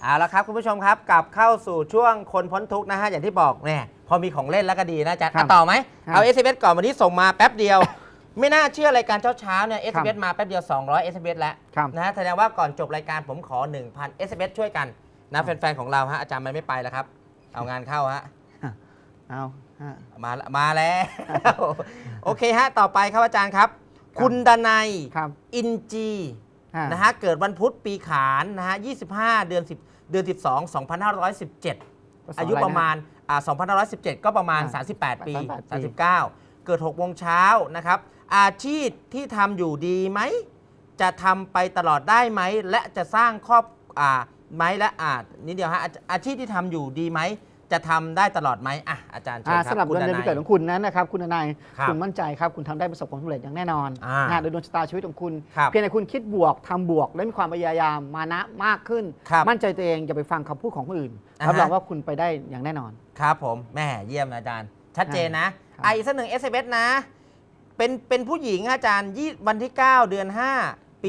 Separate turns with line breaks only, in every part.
เอาละครับคุณผู้ชมครับกลับเข้าสู่ช่วงคนพ้นทุกข์นะฮะอย่างที่บอกเนี่ยพอมีของเล่นแล้วก็ดีนะอาจารย์ต่อไหมเอา SMS ก่อนวันนี้ส่งมาแป๊บเดียว ไม่น่าเชื่อรายการเช้าเนี่ย SMS มาแป๊บเดียว200 SMS แล้วนะฮะแสดงว่าก่อนจบรายการผมขอ 1,000 SMS ช่วยกันนะแฟนๆของเราฮะอาจารย์มันไม่ไปแล้วครับเอางานเข้าฮะ
เอา
มาแล้วโอเคฮะต่อไปครับอาจารย์ครับคุณดนัยอินจีนะฮะเกิดวันพุธปีขานนะฮะ25 เดือน 12 2517 อายุประมาณ2517 ก็ประมาณ38 ปี 39 เกิด6 โมงเช้านะครับอาชีพที่ทำอยู่ดีไหมจะทำไปตลอดได้ไหมและจะสร้างครอบไหมและนิดเดียวฮะอาชีพที่ทำอยู่ดีไหมจะทำได้ตลอดไหมอาจารย์เชิญครับ
สำหรับเดือนปีเกิดของคุณนั้นนะครับคุณนายคุณมั่นใจครับคุณทำได้ประสบความสำเร็จอย่างแน่นอนโดยดวงชะตาชีวิตของคุณเพียงแต่คุณคิดบวกทำบวกและมีความพยายามมานะมากขึ้นมั่นใจตัวเองอย่าไปฟังคำพูดของคนอื่นรับรองว่าคุณไปได้อย่างแน่นอน
ครับผมแม่เยี่ยมอาจารย์ชัดเจนนะอีกสักหนึ่ง SMS นะเป็นผู้หญิงอาจารย์วันที่ 9 เดือน 5 ปี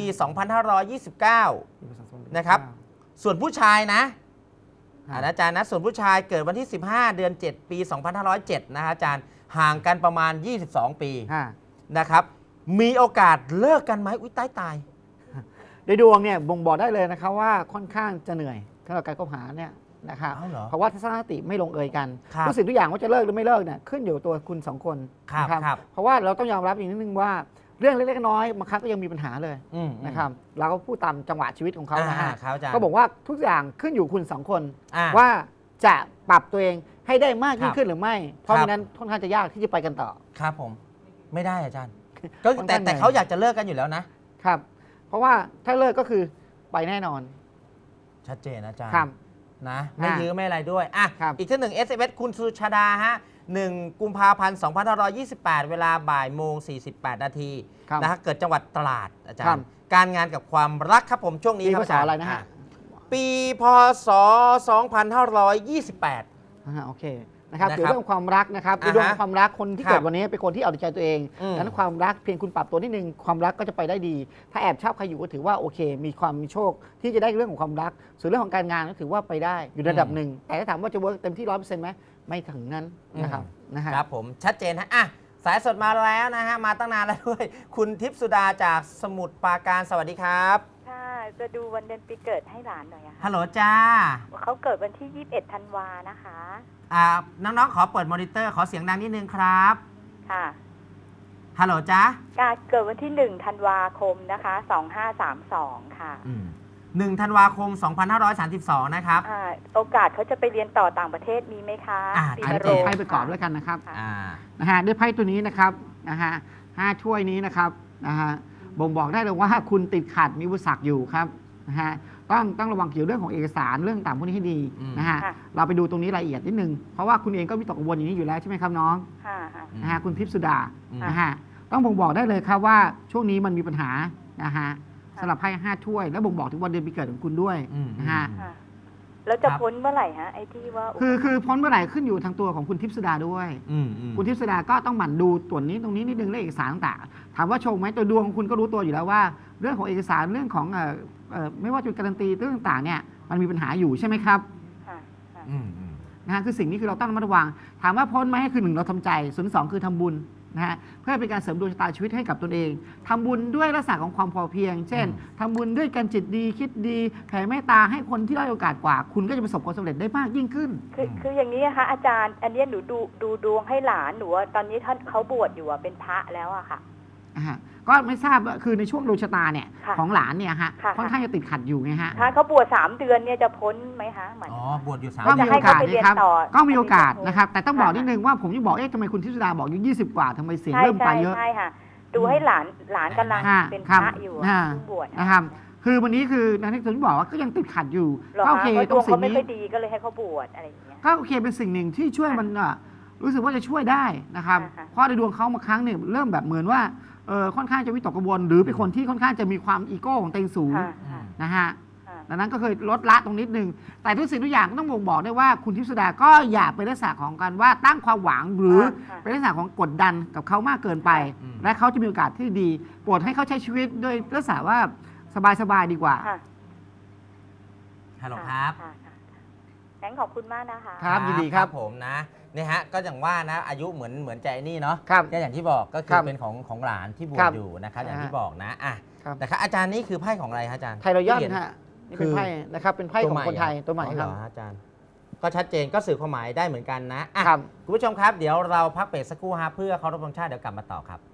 2529 นะครับส่วนผู้ชายนะอาจารย์นะส่วนผู้ชายเกิดวันที่ 15 เดือน 7 ปี 2507 นะอาจารย์ห่างกันประมาณ 22 ปีนะครับมีโอกาสเลิกกันไหมอุ้ยตาย
โดยดวงเนี่ยบ่งบอกได้เลยนะครับว่าค่อนข้างจะเหนื่อยสำหรับการคบหาเนี่ยนะครับเพราะว่าทัศนคติไม่ลงเอยกันทุกสิ่งทุกอย่างว่าจะเลิกหรือไม่เลิกเนี่ยขึ้นอยู่ตัวคุณ2 คนนะครับเพราะว่าเราต้องยอมรับอีกนิดนึงว่าเรื่องเล็กๆน้อยๆบางครั้งก็ยังมีปัญหาเลยนะครับเราก็พูดตามจังหวะชีวิตของเขานะฮะก็บอกว่าทุกอย่างขึ้นอยู่คุณ2 คนว่าจะปรับตัวเองให้ได้มากยิ่งขึ้นหรือไม่เพราะฉะนั้นค่อนข้างจะยากที่จะไปกันต่อ
ครับผมไม่ได้อาจารย์ก็แต่เขาอยากจะเลิกกันอยู่แล้วนะครับ
เพราะว่าถ้าเลิกก็คือไปแน่นอน
ชัดเจนอาจารย์นะไม่ยื้อไม่อะไรด้วยอีกที่1 SMS คุณสุชาดาฮะ1 กุมภาพันธ์ 2528 เวลาบ่ายโมง 48 นาทีนะฮะเกิดจังหวัดตราดอาจารย์การงานกับความรักครับผมช่วงนี้
ครับอาจารย์อะไรนะฮะ
ปีพศ 2528
โอเคนะครับเกี่ยวกับเรื่องความรักนะครับในดวงความรักคนที่เกิดวันนี้เป็นคนที่เอาใจตัวเองดังนั้นความรักเพียงคุณปรับตัวนิดนึงความรักก็จะไปได้ดีถ้าแอบชอบใครอยู่ก็ถือว่าโอเคมีความมีโชคที่จะได้เรื่องของความรักส่วนเรื่องของการงานก็ถือว่าไปได้อยู่ระดับหนึ่งแต่ถ้าถามว่าจะเวิร์กเต็มที่ 100% ไหมไม่ถึงนั้นนะครับ
ครับผมชัดเจนฮะสายสดมาแล้วนะฮะมาตั้งนานแล้วด้วยคุณทิพย์สุดาจากสมุทรปราการสวัสดีครับ
ค่ะจะดูวันเดือนปีเกิดให้หลานหน่อยค่ะ
ฮัลโหลจ้า
เขาเกิดวันที่ 21 ธันวานะคะ
น้องๆขอเปิดมอนิเตอร์ขอเสียงดังนิดนึงครับ
ค่ะ
ฮัลโหลจ้า
เกิดวันที่1 ธันวาคมนะคะ2532ค่ะ
1 ธันวาคม 2532นะครับ
โอกาสเขาจะไปเรียนต่อต่างประเทศมีไหมคะ
อันนี้ไพ่ประกอบแล้วกันนะครับนะฮะด้วยไพ่ตัวนี้นะครับนะฮะ5 ถ้วยนี้นะครับนะฮะบ่งบอกได้เลยว่าคุณติดขัดมีอุปสรรคอยู่ครับนะฮะต้องระวังเกี่ยวเรื่องของเอกสารเรื่องต่างพวกนี้ให้ดีนะฮะเราไปดูตรงนี้รายละเอียดนิดนึงเพราะว่าคุณเองก็มีตกกังวลอย่างนี้อยู่แล้วใช่ไหมครับน้องนะฮะคุณทิพย์สุดานะฮะต้องบ่งบอกได้เลยครับว่าช่วงนี้มันมีปัญหานะฮะสำหรับไพ่5 ถ้วยแล้วบ่งบอกถึงวันเดือนปีเกิดของคุณด้วยนะฮะ
แล้วจะพ้นเมื่อไหร่ฮะไอ้ที่ว่า
คือพ้นเมื่อไหร่ขึ้นอยู่ทางตัวของคุณทิพย์สุดาด้วยคุณทิพย์สุดาก็ต้องหมั่นดูตัวนี้ตรงนี้นิดนึงเรื่องเอกสารต่างๆถามว่าโชคไหมตัวดวงของคุณก็รู้ตัวอยู่แล้วว่าเรื่องของเอกสารเรื่องของไม่ว่าจะการันตีเรื่องต่างๆเนี่ยมันมีปัญหาอยู่ใช่ไหมครับนะฮะคือสิ่งนี้คือเราต้องระมัดระวังถามว่าพ้นไหมคือ1เราทำใจส่วน2คือทำบุญนะฮะเพื่อเป็นการเสริมดวงชะตาชีวิตให้กับตนเองทำบุญด้วยลักษณะของความพอเพียงเช่นทำบุญด้วยการจิตดีคิดดีแผ่เมตตาให้คนที่ได้โอกาสกว่าคุณก็จะประสบความสำเร็จได้มากยิ่งขึ้น
คืออย่างนี้นะคะอาจารย์อันนี้หนูดูดวงให้หลานหนูตอนนี้ท่านเขาบวชอยู่เป็นพระแล้วอะค่ะ
ก็ไม่ทราบคือในช่วงดวงชะตาเนี่ยของหลานเนี่ยฮะค่อนข้างจะติดขัดอยู่ไงฮะ
ถ้าเขาบวช3 เดือนเนี่ยจะพ้นไหมคะเหมือน
บวชอยู่3
ก็มีโอกาสนะครับก็มีโอกาสนะครับแต่ต้องบอกนิดนึงว่าผมยังบอกทำไมคุณทิพย์สุดาบอกอยู่20 กว่าทำไมเสียงเริ่มไปเยอะ
ใช่ค่ะดูให้หลานกำลังเป็นพระอยู่บวช
นะครับคือวันนี้คือนักที่ผมบอกว่าก็ยังติดขัดอยู่
ก็โอเคตรงสิ่งนี้ไม่ค่อยดีก็เลยให้เขาบวชอะไรอย่างเงี้ย
ก็โอเคเป็นสิ่งหนึ่งที่ช่วยมันรู้สึกว่าจะช่วยได้นะครับเพราะในดวงเขามาครั้งหนึ่งเริ่มแบบเหมือนว่าค่อนข้างจะวิตกกังวลหรือเป็นคนที่ค่อนข้างจะมีความอีโก้ของตัวเองสูงนะฮะดังนั้นก็เคยลดละตรงนิดนึงแต่ทุกสิ่งทุกอย่างต้องบ่งบอกได้ว่าคุณทิพย์สุดาก็อย่าเป็นลักษณะของการว่าตั้งความหวังหรือเป็นลักษณะของกดดันกับเขามากเกินไปและเขาจะมีโอกาสที่ดีโปรดให้เขาใช้ชีวิตโดยลักษณะว่าสบายๆดีกว่า
ฮัลโหลครับ
ค่ะงั้นขอบคุณมากนะคะ
ครับยินดีครับ
ผมนะเนี่ยฮะก็อย่างว่านะอายุเหมือนใจนี่เนาะ
ครับ
ก็อย่างที่บอกก็คื
ครั
อบ เป็นของหลานที่บว
ครั
ช
บ
อยู่นะครับอย่างที่บอกนะอ่ะ
ครับ
แต่ครับอาจารย์นี่คือไพ่ของอะไรครับอาจารย์
ไทยรอยัล
ที่เห็น
ฮะนี่เป็นไพ่นะครับเป็นไพ่ของคนไทยตัวใหม่ครับ
อ๋อเหออาจารย์ก็ชัดเจนก็สื่อความหมายได้เหมือนกันนะอ่ะ
ครับ
คุณผู้ชมครับเดี๋ยวเราพักเบรกสักครู่ฮะเพื่อเคารพธงชาติเดี๋ยวกลับมาต่อครับ